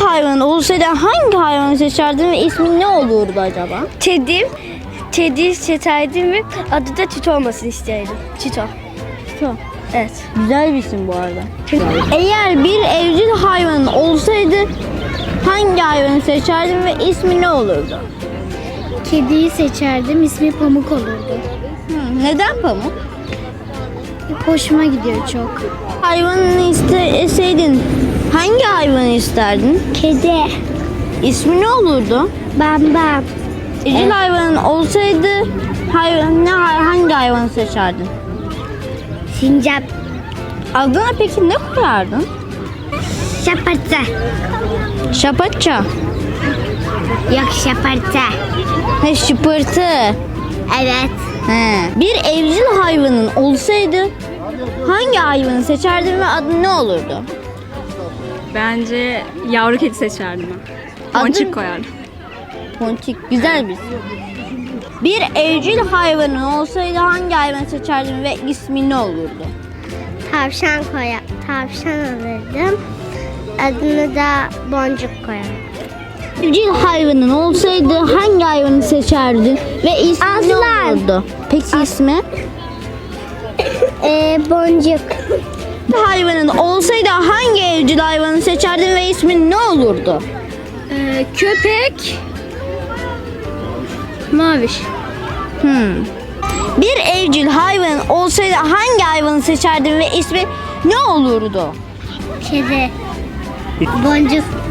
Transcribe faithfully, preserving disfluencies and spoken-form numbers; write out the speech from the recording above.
hayvan olsaydı hangi hayvanı seçerdin ve ismi ne olurdu acaba? Kedim, kedi seçerdim ve adı da Çito olmasını isterdim. Çito. Çito. Evet. Güzel bir isim bu arada. Eğer bir evcil hayvanın olsaydı hangi hayvanı seçerdin ve ismi ne olurdu? Kediyi seçerdim, ismi Pamuk olurdu. Hı, neden Pamuk? Hoşuma gidiyor çok. Hayvanını isteseydin hangi hayvanı isterdin? Kedi. İsmi ne olurdu? Bambam. Evcil hayvanın olsaydı hayvan, ne, hangi hayvanı seçerdin? Sincap. Adına peki ne koyardın? Şaparta. Şapatça. Yok şaparta. He, şıpırtı. Evet. He. Bir evcil hayvanın olsaydı hangi hayvanı seçerdin ve adı ne olurdu? Bence yavru kedi seçerdim ben. Adı- Ponçik koyardım. Ponçik. Güzel bir isim. Bir evcil hayvanın olsaydı hangi hayvanı seçerdin ve ismi ne olurdu? Tavşan koya. Tavşan alırdım. Adını da Boncuk koyarım. Evcil hayvanın olsaydı hangi hayvanı seçerdin ve ismi ne Aslan. olurdu? Peki ismi? Ee, Boncuk. Bir hayvanın olsaydı hangi evcil hayvanı seçerdin ve ismi ne olurdu? Ee, köpek. Maviş. Hmm. Bir evcil hayvanın olsaydı hangi hayvanı seçerdin ve ismi ne olurdu? Kedi. Boncuk.